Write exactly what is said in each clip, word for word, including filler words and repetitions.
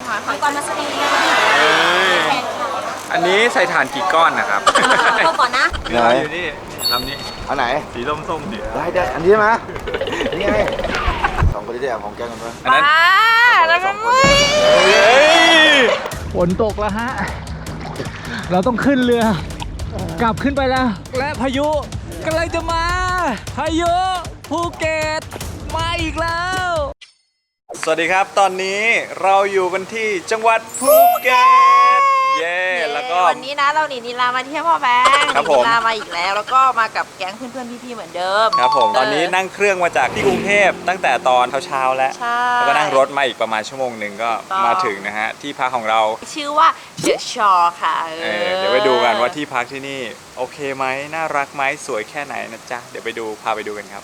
หอยหอยก่อนมาสตีนะอันนี้ใส่ถ่านกี่ก้อนนะครับก็ก่อนนะไหนอยู่นี่ลำนี้อันไหนสีส้มๆดิได้ได้อันนี้ไหมนี่ไงสองคนที่ได้ของแกงกันไหมอันนั้นแล้วมันฝนตกแล้วฮะเราต้องขึ้นเรือกลับขึ้นไปแล้วและพายุกำลังจะมาพายุภูเก็ตมาอีกแล้วสวัสดีครับตอนนี้เราอยู่กันที่จังหวัดภูเก็ตเย้แล้วก็วันนี้นะเราหนีนิลามาเที่ยวพ่อแบงค์หนีนิลามาอีกแล้วแล้วก็มากับแก๊งเพื่อนๆพี่ๆเหมือนเดิมครับผมตอนนี้นั่งเครื่องมาจากที่กรุงเทพตั้งแต่ตอนเช้าๆแล้วแล้วก็นั่งรถมาอีกประมาณชั่วโมงหนึ่งก็มาถึงนะฮะที่พักของเราชื่อว่าเดอะชอร์ค่ะเเดี๋ยวไปดูกันว่าที่พักที่นี่โอเคไหมน่ารักไหมสวยแค่ไหนนะจ๊ะเดี๋ยวไปดูพาไปดูกันครับ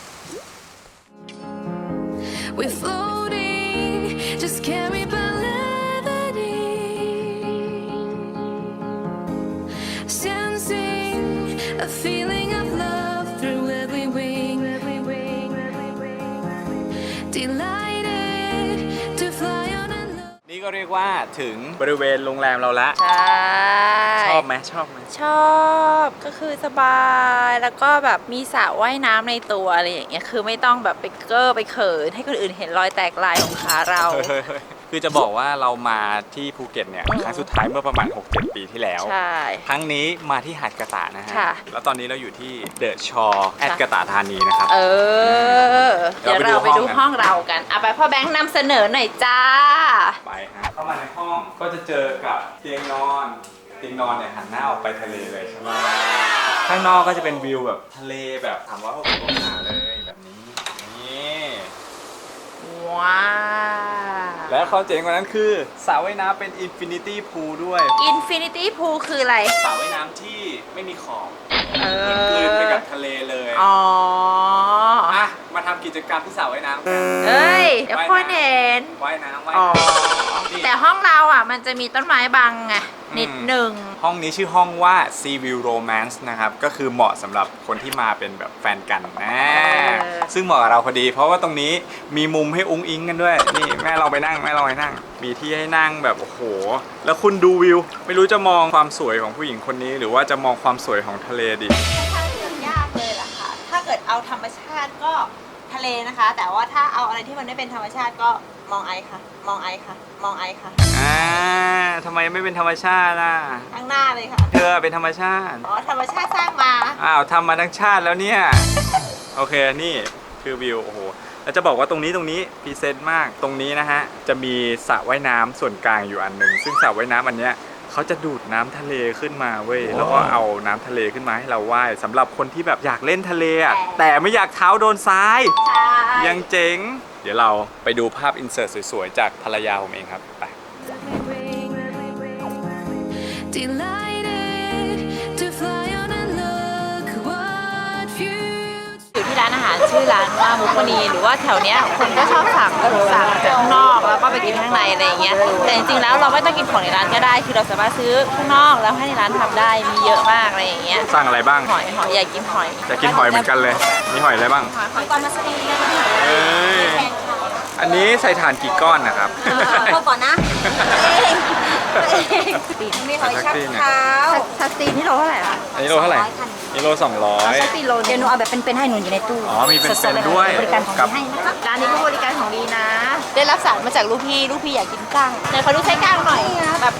We're floating, just carried by levity, sensing a feeling of love through every wing, delighted to fly on and look. นี่ก็เรียกว่าถึงบริเวณโรงแรมเราละใช่ชอบไหมชอบไหมชอบก็คือสบายแล้วก็แบบมีสระว่ายน้ำในตัวอะไรอย่างเงี้ยคือไม่ต้องแบบไปเก้อไปเขินให้คนอื่นเห็นรอยแตกลายของขาเราคือจะบอกว่าเรามาที่ภูเก็ตเนี่ยครั้งสุดท้ายเมื่อประมาณ หกเจ็ด ปีที่แล้วใช่ครั้งนี้มาที่หาดกระตะนะฮะแล้วตอนนี้เราอยู่ที่เดอะชอร์แอดกระตะธานีนะครับเออเดี๋ยวเราไปดูห้องเรากันเอาไปพ่อแบงค์นำเสนอหน่อยจ้าไปฮะเข้ามาในห้องก็จะเจอกับเตียงนอนเตียงนอนเนี่ยหันหน้าออกไปทะเลเลยใช่ไหมข้างนอกก็จะเป็นวิวแบบทะเลแบบสามร้อยหกสิบองศาเลยแบบนี้นี่ว้าวแล้วเขาเจ๋งกว่านั้นคือสระว่ายน้ำเป็นอินฟินิตี้พูลด้วยอินฟินิตี้พูลคืออะไรสระว่ายน้ำที่ไม่มีขอบมันกลืนไปกับทะเลเลยอ๋ออ่ะมาทำกิจกรรมที่สระว่ายน้ำกันเอ้ยเดี๋ยวพ่อเห็นว่ายน้ำว่ายน้ำแต่ห้องเราอ่ะมันจะมีต้นไม้บังไงนิดหนึ่งห้องนี้ชื่อห้องว่า Sea View Romance นะครับก็คือเหมาะสำหรับคนที่มาเป็นแบบแฟนกันนะซึ่งเหมาะกับเราพอดีเพราะว่าตรงนี้มีมุมให้อุ้งอิงกันด้วยนี่แม่เราไปนั่งแม่เราไปนั่งมีที่ให้นั่งแบบโอ้โหแล้วคุณดูวิวไม่รู้จะมองความสวยของผู้หญิงคนนี้หรือว่าจะมองความสวยของทะเลดีค่อนข้างเลือกยากเลยล่ะค่ะถ้าเกิดเอาธรรมชาติก็ทะเลนะคะแต่ว่าถ้าเอาอะไรที่มันไม่เป็นธรรมชาติก็มองไอค่ะมองไอค่ะมองไอค่ะอ่าทำไมไม่เป็นธรรมชาติล่ะข้างหน้าเลยค่ะเธอเป็นธรรมชาติอ๋อธรรมชาติสร้างมาอ้าวทำมาทั้งชาติแล้วเนี่ยโอเคนี่คือวิวโอ้โหแล้วจะบอกว่าตรงนี้ตรงนี้พรีเซนต์มากตรงนี้นะฮะจะมีสระว่ายน้ำส่วนกลางอยู่อันหนึ่งซึ่งสระว่ายน้ำอันเนี้ยเขาจะดูดน้ำทะเลขึ้นมาเว้ยแล้วก็เอาน้ำทะเลขึ้นมาให้เราว่ายสำหรับคนที่แบบอยากเล่นทะเลอ่ะแต่ไม่อยากเท้าโดนทรายยังเจ๋งเดี๋ยวเราไปดูภาพอินเสิร์ตสวยๆจากภรรยาผมเองครับไปอยู่ที่ร้านอาหารชื่อร้านว่ามุกมณีหรือว่าแถวเนี้ยคนก็ชอบสั่งสั่งจากข้างนอกแล้วก็ไปกินข้างในอะไรอย่างเงี้ยแต่จริงๆแล้วเราไม่ต้องกินของในร้านก็ได้คือเราสามารถซื้อข้างนอกแล้วให้ในร้านทำได้มีเยอะมากอะไรอย่างเงี้ยสั่งอะไรบ้างหอยหอยอยากกินหอยอยากกินหอยเหมือนกันเลยมีหอยอะไรบ้างหอยหอยก่อนมาสตีเอ้ยอันนี้ใส่ถ่านกี่ก้อนนะครับพอก่อนนะมีหอยชักเท้าชักตีนนี่โลเท่าไหร่คะอันนี้โลเท่าไหร่นี่โลสองร้อยชักตีนโลเดี๋ยวหนูเอาแบบเป็นๆให้หนูอยู่ในตู้อ๋อมีเป็นๆด้วยบริการของดีให้นะคะร้านนี้ก็บริการของดีนะได้รับสารมาจากลูกพี่ลูกพี่อยากกินกั้งเดี๋ยวขอดูใช้กั้งหน่อยแบบ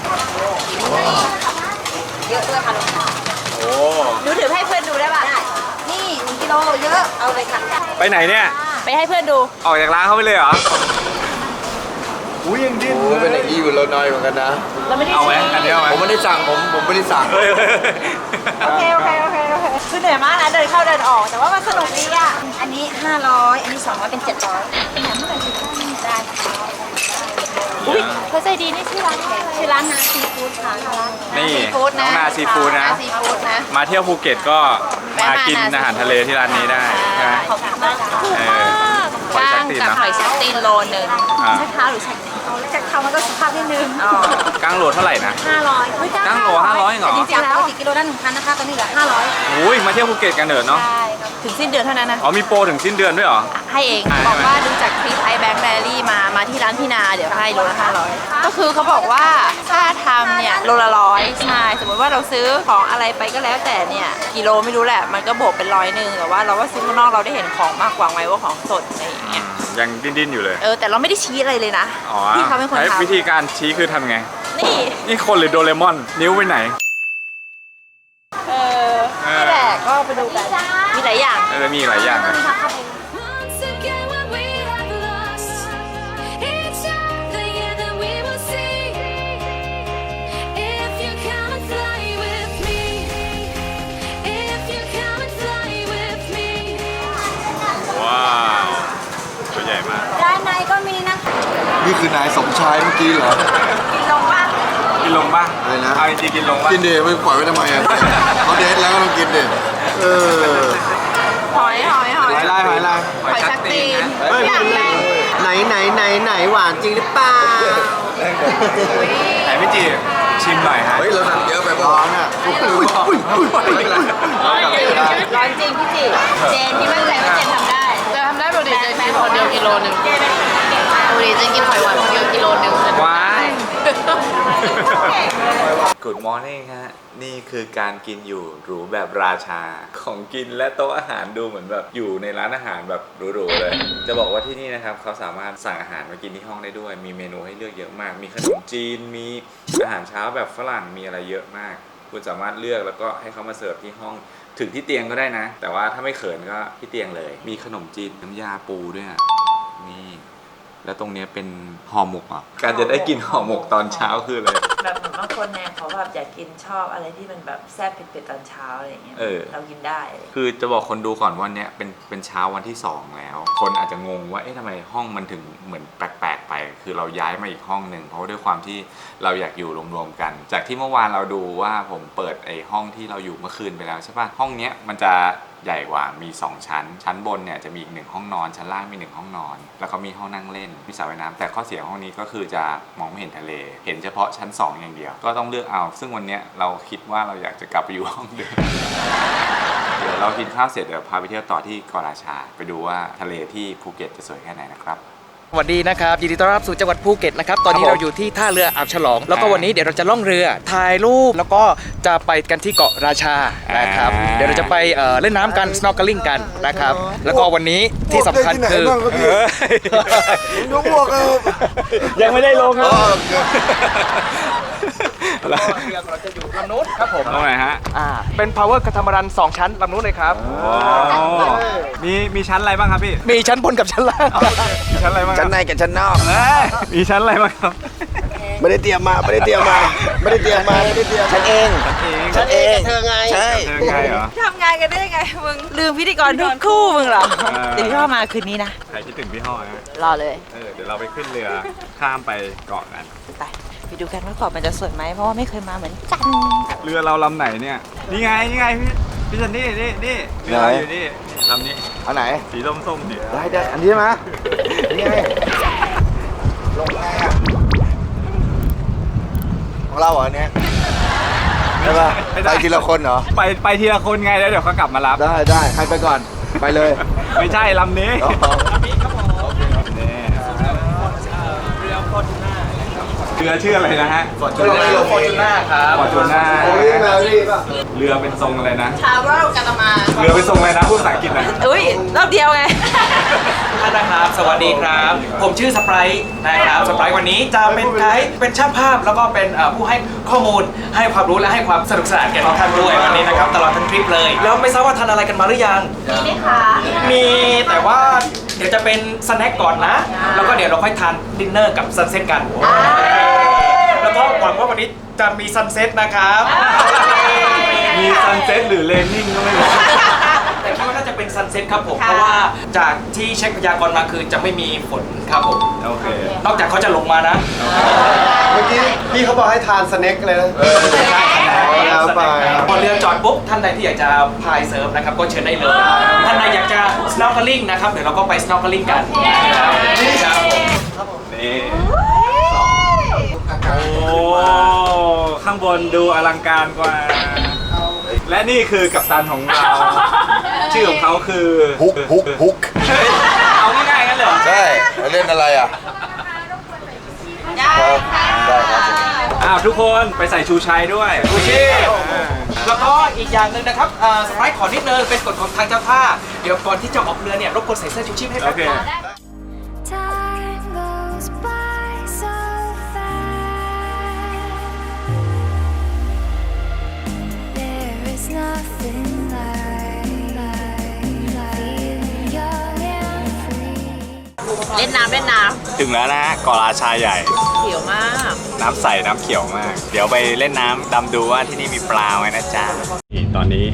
เยอะด้วยค่ะโอ้หนูถือให้เพื่อนดูได้ป่ะนี่หนึ่งกิโลเยอะเอาเลยค่ะไปไหนเนี่ยไปให้เพื่อนดูออกจากร้านเขาไปเลยเหรออุ้ยยังดิ้นเป็นอย่างนี้อยู่เราน้อยเหมือนกันนะเราไม่ได้เอาไหมอันนี้เอาไหมผมไม่ได้สั่งผมผมไม่ได้สั่งโอเคโอเคโอเคโอเคคือเหนื่อยมากนะเดินเข้าเดินออกแต่ว่ามันสนุกดีอ่ะอันนี้ห้าร้อยอันนี้สองร้อยเป็นเจ็ดร้อยเป็นอย่างเมื่อไหร่ที่ได้อุ้ยเขาใจดีนี่ชื่อร้านชื่อร้านนาซีฟู้ดค่ะนี่น้องนาซีฟู้ดนะมาเที่ยวภูเก็ตก็มากินอาหารทะเลที่ร้านนี้ได้ใช่ไหมขอบคุณมากถูกมากกั้งกับหอยชักตีนโลนึงชักเท้าหรือชักเอาแล้วจากทำมันก็สุภาพนิดนึงกลางโหลเท่าไหร่นะห้าร้อยกลางโหลห้าร้อยเหรอแต่จริงๆแล้วปกติกิโลละหนึ่งพันนะคะตอนนี้เหลือห้าร้อยอุ้ยมาเที่ยวภูเก็ตกันเถอะเนาะใช่ครับถึงสิ้นเดือนเท่านั้นนะอ๋อมีโปรถึงสิ้นเดือนด้วยเหรอให้เองอ่าบอกว่าดูจากคลิปไอแบงค์แบรี่มามาที่ร้านพี่นาเดี๋ยวให้โลละห้าร้อยก็คือเขาบอกว่าค่าทำเนี่ยโลละร้อยใช่สมมติว่าเราซื้อของอะไรไปก็แล้วแต่เนี่ยกิโลไม่รู้แหละมันก็บวกเป็นร้อยหนึ่งแต่ว่าเราว่าซื้อข้างนอกเราได้เห็นของมากกว่าไงว่าของสดอะไรอย่างเงี้ยยังดิ้นๆอยู่เลยเออแต่เราไม่ได้ชี้อะไรเลยนะอ๋อพี่เขาเป็นคนใช้ทำวิธีการชี้คือทำไงนี่นี่คนหรือโดเรมอน นิ้วไปไหนเออนี่แหละก็ไปดูกันมีหลายอย่างเออมีหลายอย่างนะ Once again, what we have lost, each other, yeah, then we will see. If you come and fly with me, if you come and fly with me. ว้าวตัวใหญ่มากด้านในก็มีนะนี่คือนายสมชายเมื่อกี้เหรอกินลงบ้างกินลงป่ะอะไรนะเอาจริงๆกินลงป่ะกินดิไม่ปล่อยไว้ทำไมอ่ะเขาเดทแล้วก็ต้องกินดิเออหอยหอยหอยหอยลายหอยลายหอยชักตีนเฮ้ยอย่างแรงไหนไหนไหนไหนหวานจริงหรือเปล่าไหนพี่จีชิมหน่อยฮะเฮ้ยเราสั่งเยอะไปบ้างอ่ะอุ้ยอุ้ยอุ้ยอุ้ยร้อนจริงพี่จิเจนที่มั่นใจว่าเจนทำได้จะทำได้ปกติจะกินคนเดียวกิโลหนึ่งปกติจะกินหอยหวานคนเดียวกิโลหนึ่งว้าย Good morning ฮะ นี่คือการกินอยู่หรูแบบราชา ของกินและโต๊ะอาหารดูเหมือนแบบอยู่ในร้านอาหารแบบหรูๆเลย จะบอกว่าที่นี่นะครับเขาสามารถสั่งอาหารมากินที่ห้องได้ด้วย มีเมนูให้เลือกเยอะมาก มีขนมจีน มีอาหารเช้าแบบฝรั่ง มีอะไรเยอะมาก คุณสามารถเลือกแล้วก็ให้เขามาเสิร์ฟที่ห้อง ถึงที่เตียงก็ได้นะ แต่ว่าถ้าไม่เขินก็ที่เตียงเลย มีขนมจีนน้ำยาปูด้วยอะนี่ แล้วตรงนี้เป็นห่อหมกอ่ะ การจะได้กินห่อหมกตอนเช้าคืออะไรแบบเหมือนบางคนเนี่ยเขาแบบอยากกินชอบอะไรที่มันแบบแซ่บเผ็ดๆตอนเช้าอะไรอย่างเงี้ยเออเรากินได้อะไรอย่างเงี้ยคือจะบอกคนดูก่อนว่าเนี้ยเป็นเป็นเช้าวันที่สองแล้ว คนอาจจะงงว่าเอ๊ะทำไมห้องมันถึงเหมือนแปลกๆไป คือเราย้ายมาอีกห้องหนึ่งเพราะว่าด้วยความที่เราอยากอยู่รวมๆกัน จากที่เมื่อวานเราดูว่าผมเปิดไอ้ห้องที่เราอยู่เมื่อคืนไปแล้วใช่ปะห้องเนี้ยมันจะใหญ่กว่ามีสองชั้น ชั้นบนเนี่ยจะมีอีกหนึ่งห้องนอนชั้นล่างมีหนึ่งห้องนอน แล้วก็มีห้องนั่งเล่นมีสระว่ายน้ำแต่ข้อเสียของห้องนี้ก็คือจะมองไม่เห็นทะเล เห็นเฉพาะชั้นสองอย่างเดียวก็ต้องเลือกเอา ซึ่งวันเนี้ยเราคิดว่าเราอยากจะกลับไปอยู่ห้องเดิม เดี๋ยวเรากินข้าวเสร็จเดี๋ยวพาไปเที่ยวต่อที่เกาะราชา ไปดูว่าทะเลที่ภูเก็ตจะสวยแค่ไหนนะครับสวัสดีนะครับยินดีต้อนรับสู่จังหวัดภูเก็ตนะครับตอนนี้ครับผมเราอยู่ที่ท่าเรืออ่าวฉลอง แล้วก็อ่าวันนี้เดี๋ยวเราจะล่องเรือถ่ายรูปแล้วก็จะไปกันที่เกาะราชานะครับอ่าเดี๋ยวเราจะไปเอ่อเล่นน้ำกัน snorkeling กันนะครับแล้วก็วันนี้ที่สำคัญคือยกพวกเออยังไม่ได้ลงเลยเรือเราจะอยู่ลำนู้นครับผมตรงไหนฮะอ่าเป็น power คาทามารันสองชั้นลำนู้นเลยครับมีมีชั้นอะไรบ้างครับพี่มีชั้นบนกับชั้นล่างมีชั้นอะไรบ้างชั้นในกับชั้นนอกเอ้ยมีชั้นอะไรบ้างครับไม่ได้เตรียมมาไม่ได้เตรียมมาไม่ได้เตรียมมาไม่ได้เตรียมฉันเองเองฉันเองเธอไงใช่เธอไงเหรอทำงานกันได้ยังไงมึงลืมพิธีกรทุกคู่มึงเหรอเออเดี๋ยวพี่พ่อมาคืนนี้นะใครคิดถึงพี่ห้อนะรอเลยเออเดี๋ยวเราไปขึ้นเรือข้ามไปเกาะกันไปไปดูกันว่าเกาะมันจะสวยไหมเพราะว่าไม่เคยมาเหมือนกันเรือเราลำไหนเนี่ยนี่ไงนี่ไงพี่พี่ซันนี่นี่นี่เรือเราอยู่นี่ลำนี้อันไหนสีส้มๆดิได้ได้อันนี้ใช่ไหมนี่ไงลงแรกของเราเหรอเนี่ยใช่ป่ะไปทีละคนเหรอไปไปทีละคนไงแล้วเดี๋ยวเขากลับมารับได้ได้ใครไปก่อนไปเลยไม่ใช่ลำนี้อ๋อนี่เรือชื่ออะไรนะฮะเรือฟอร์จูน่าครับฟอร์จูน่าโอ้ยแมรี่ป่ะเรือเป็นทรงอะไรนะทาวเวลกาตามาเรือเป็นทรงอะไรนะพูดภาษาอังกฤษนะอุ้ยรอบเดียวไงท่านนะครับสวัสดีครับ ผมชื่อสไปร์นะครับสไปร์วันนี้จะเป็นไกด์เป็นช่างภาพแล้วก็เป็นเอ่อผู้ให้ข้อมูลให้ความรู้และให้ความสนุกสนานแก่ทุกท่านด้วยวันนี้นะครับตลอดทั้งทริปเลยแล้วไม่ทราบว่าทานอะไรกันมาหรือยังมีไหมคะมีแต่ว่าเดี๋ยวจะเป็นสแน็คก่อนนะ แล้วก็เดี๋ยวเราค่อยทานดินเนอร์กับซันเซ็ตกัน แล้วก็หวังว่าวันนี้จะมีซันเซ็ตนะครับมีซันเซ็ตหรือเลนนิ่งก็ไม่รู้แต่คิดว่าน่าจะเป็นซันเซ็ตครับผม เพราะว่าจากที่เช็คพยากรณ์มาคือจะไม่มีฝนครับผมโอเคนอกจากเขาจะลงมานะเมื่อกี้พี่เขาบอกให้ทานสเน็กเลยนะเอาไปพอเรือจอดปุ๊บท่านใดที่อยากจะพายเซิร์ฟนะครับก็เชิญได้เลย ท่านใดอยากจะ snorkeling นะครับเดี๋ยวเราก็ไป snorkeling กันนะครับครับผมนี่างบนดูอลังการกว่า และนี่คือกัปตันของเรา ชื่อของเขาคือฮุกฮุกฮุกเฮ้ยเอาง่ายๆกันเหรอใช่แล้วเล่นอะไรอ่ะได้ค่ะได้ครับอ้าวทุกคนไปใส่ชูชัยด้วยชูชีพ แล้วก็อีกอย่างหนึ่งนะครับสไปร์ขอนิดนึงเป็นกฎของทางเจ้าท่า เดี๋ยวก่อนที่จะออกเรือเนี่ยรบกวนใส่เสื้อชูชีพให้แป๊โอบ เค Time goes by so fast. There is nothing like, like, like feeling young and free. เล่นน้ำเล่นน้ถึงแล้วนะฮะเกาะราชาใหญ่ำเขียวมากน้ำใสน้ำเขียวมาก เดี๋ยวไปเล่นน้ำดำดูว่าที่นี่มีปลาไหมนะจ๊ะนี่ตอนนี้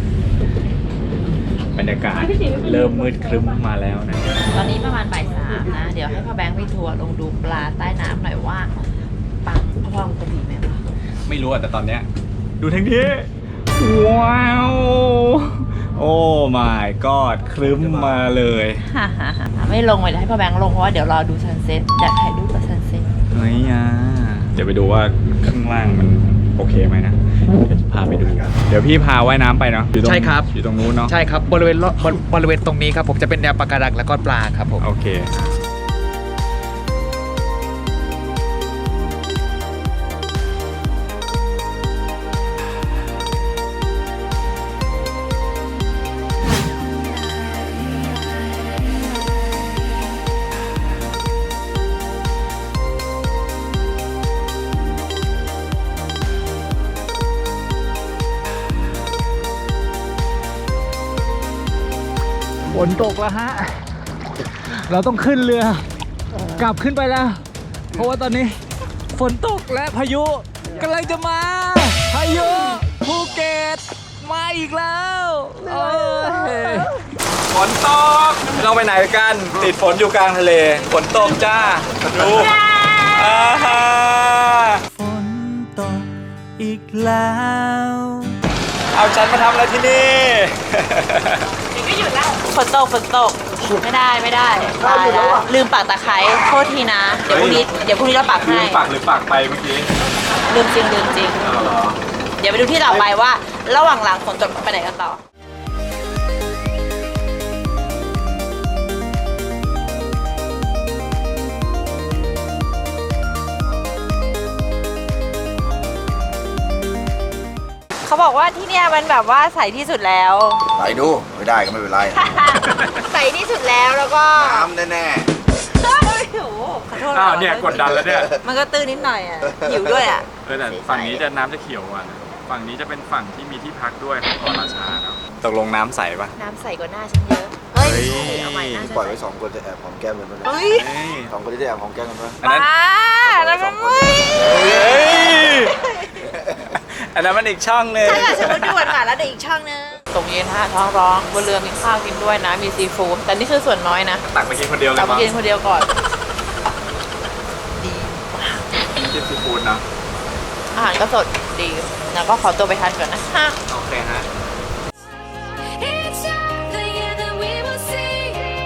บรรยากาศเริ่มมืดครึ้มมาแล้วนะตอนนี้ประมาณบ่ายสามนะ เดี๋ยวให้พ่อแบงค์ไปทัวร์ลงดูปลาใต้น้ำหน่อยว่าปลาพ่อมันจะดีไหมวะไม่รู้อะแต่ตอนเนี้ยดูทางนี้ ว้าว โอ้ my god ครึ้มมาเลยฮ่าฮ่าฮ่าไม่ลงเลยเดี๋ยวให้พ่อแบงค์ลงเพราะว่าเดี๋ยวรอดูซันเซ็ตอยากถ่ายรูปกับซันเซ็ตเฮ้ยอ่ะเดี๋ยวไปดูว่าข้างล่างมันโอเคไหมนะ เดี๋ยวจะพาไปดู เดี๋ยวพี่พาว่ายน้ำไปเนาะอยู่ตงใช่ครับอยู่ตรงนู้นเนาะใช่ครับบริเวณรอบบริบริเวณตรงนี้ครับผมจะเป็นแนวปะการังแล้วก็ปลาครับผมโอเคฝนตกแล้วฮะ เราต้องขึ้นเรือ กลับขึ้นไปแล้ว เพราะว่าตอนนี้ฝนตกและพายุกำลังจะมา พายุภูเก็ตมาอีกแล้วเอ้ยฝนตกไม่ต้องไปไหนกัน ติดฝนอยู่กลางทะเล ฝนตกจ้า ดูอ่าฮะฝนตกอีกแล้วเอาฉันมาทำอะไรที่นี่ฝนตกฝนตกไม่ได้ไม่ได้ตายแล้วลืมปักตะไคร้โทษทีนะ เดี๋ยวพรุ่งนี้เดี๋ยวพรุ่งนี้เราปักลืให้มปักหรือปักไปเมื่อกี้ลืมจริงลืมจริงเอาเหรอเดี๋ยวไปดูที่ต่อไปว่า ระหว่างหลังฝนตกไปไหนกันต่อเขาบอกว่าที่เนี่ยมันแบบว่าใสที่สุดแล้วไหลดูไม่ได้ก็ไม่เป็นไรใสที่สุดแล้วแล้วก็น้ำแน่โอ้โหขอโทษอ้าวเนี่ยกดดันแล้วเนี่ยมันก็ตื้นนิดหน่อยอ่ะหิวด้วยอ่ะเออแต่ฝั่งนี้จะน้ำจะเขียวกว่านะฝั่งนี้จะเป็นฝั่งที่มีที่พักด้วยของเกาะราชาเนาะตกลงน้ำใสปะน้ำใสกว่าหน้าฉันเยอะ เฮ้ยเฮ้ยเอาใหม่หน้าฉันๆปล่อยไว้สองคนจะแอบหอมแก้มกันปะเนี่ยเฮ้ยเฮ้ยสองคนที่จะแอบหอมแก้มกันปะอันนั้นป้าแล้วมันไม่เฮ้ยอันนั้นมันอีกช่องหนึงถ้าเกิดสมมติดูหวานๆแล้วเดี๋ยวอีกช่องนึงตรงเย็นฮะท้องร้องบนเรือมีข้าวกินด้วยนะ มีซีฟู้ดแต่นี่คือส่วนน้อยนะตักไปกินคนเดียวเลยเราไปมั้งกินคนเดียวก่อนกินซีฟู้ดนะอาหารก็สดดีแล้วก็ขอตัวไปทานก่อนนะฮะโอเคฮะ Each other, yeah, then we will see.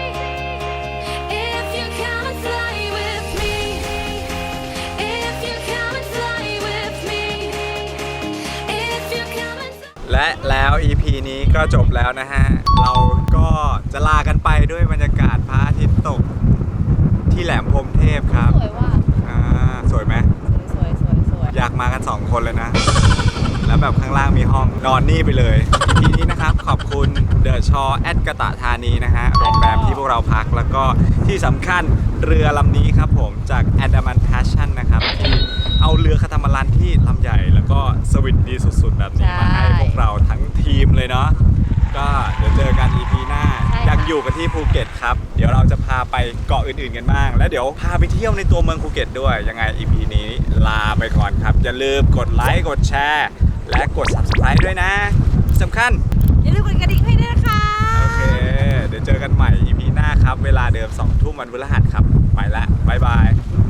If you come and fly with me, if you come and fly with me, if you come and fly. และแล้ว อี พี นี้ก็จบแล้วนะฮะ เราก็จะลากันไปด้วยบรรยากาศพระอาทิตย์ตกที่แหลมพรหมเทพครับสวยว่าอ่าสวยไหมสวยสวยสวยอยากมากัน สอง คนเลยนะ แล้วแบบข้างล่างมีห้องนอนนี่ไปเลย อี พี นี้นะครับ ขอบคุณเดอะชอแอดกะตะธานีนะฮะ โรงแรมที่พวกเราพักแล้วก็ที่สำคัญเรือลำนี้ครับผมจาก Andaman Passion นะครับ ที่เอาเรือคาตามารันที่ลำใหญ่แล้วก็สวิตดีสุดๆ แบบนี้มาให้พวกเราทั้งทีมเลยเนาะก็เดี๋ยวเจอกัน อี พี หน้า ยังอยู่กันที่ภูเก็ตครับ เดี๋ยวเราจะพาไปเกาะอื่นๆกันบ้าง แล้วเดี๋ยวพาไปเที่ยวในตัวเมืองภูเก็ตด้วย ยังไง อี พี นี้ลาไปก่อนครับ อย่าลืมกดไลค์กดแชร์และกด Subscribe ด้วยนะที่สำคัญอย่าลืมกดกระดิ่งให้ด้วยนะคะโอเค เดี๋ยวเจอกันใหม่ อี พี หน้าครับ เวลาเดิมสองทุ่มวันพฤหัสครับ ไปละบ๊ายบาย